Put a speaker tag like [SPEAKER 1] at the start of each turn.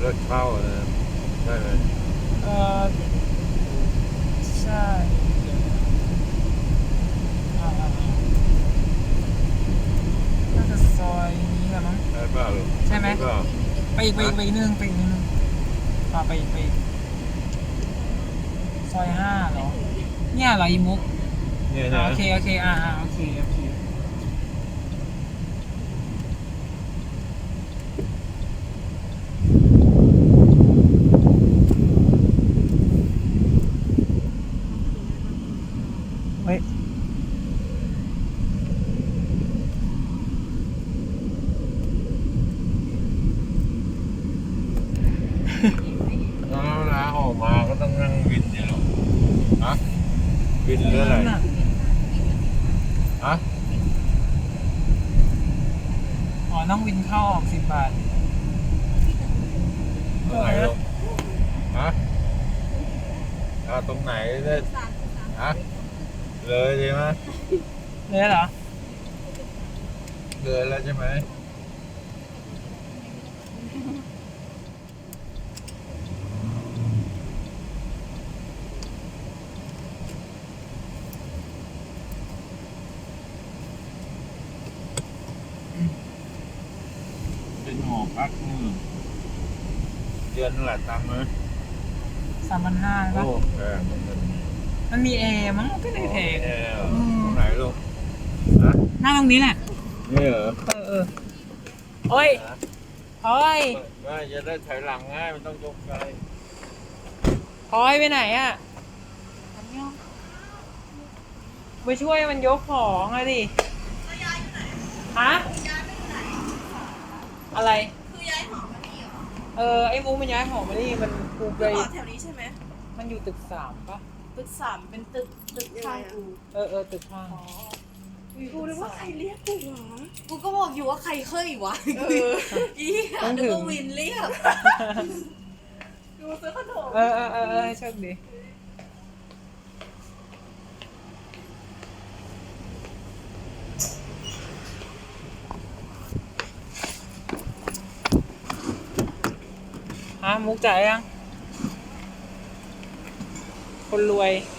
[SPEAKER 1] ถเช่าเลยได้ไหม
[SPEAKER 2] เออใช่น่าจะซอยนี้แหละมั้ง
[SPEAKER 1] ได้เปล่าลูก
[SPEAKER 2] ใช่ไหม
[SPEAKER 1] ด้เปล่า
[SPEAKER 2] ไปอีกนิดนึงไปอีกซอย5เหรอเนี่ยเหรออีมุก
[SPEAKER 1] เนี่ยนะ
[SPEAKER 2] โอเคโอเคโอเคเฮ้ย
[SPEAKER 1] แล้วนะออกมาก็ต้องนั่งวินเนี่ยหรอฮะวินหรืออะไรฮะ
[SPEAKER 2] อ๋อต้องวินเข้าออก10 บาท
[SPEAKER 1] ตรงไหนลูกฮะตรงไหนได้ฮะเลยใช่ไหม
[SPEAKER 2] เลยเหรอ
[SPEAKER 1] เลยแล้วใช่ไหมเป็นหอพักเดือนเท่าไหร่ตังค์ไหม
[SPEAKER 2] 3,500
[SPEAKER 1] โอ้
[SPEAKER 2] ป่ะ
[SPEAKER 1] แพง
[SPEAKER 2] มันมีแอร์มั้งก็เลยแพง
[SPEAKER 1] แอร์เหรอตรงไหนลูกฮะ
[SPEAKER 2] หน้าตรงนี้แหละ
[SPEAKER 1] นี่เหรอ
[SPEAKER 2] โอ้ยพลอย
[SPEAKER 1] ไม่จะได้ถอยหลังง่ายมันต้องยกไกล
[SPEAKER 2] พลอยไปไหนอ่ะไปช่วยมันยกของอะดิฮะอะไร
[SPEAKER 3] คือย้ายหอมานี่เหรอ
[SPEAKER 2] ไอ้มุกมันย้ายหอมานี่มันกูไป
[SPEAKER 3] หอแถวนี้ใช่ไหม
[SPEAKER 2] มันอยู่ตึก3ป่ะ
[SPEAKER 3] ตึก3เป็นตึกข้างกู
[SPEAKER 2] ตึกข้าง
[SPEAKER 3] กูนึกว่าใครเรียกกูวะกูก็บอกอยู่ว่าใครเคยวะอีหานึกว่าวินเรียกกูซื้อขนม
[SPEAKER 2] โชคดีฮะมุกจ่ายยังคนรวย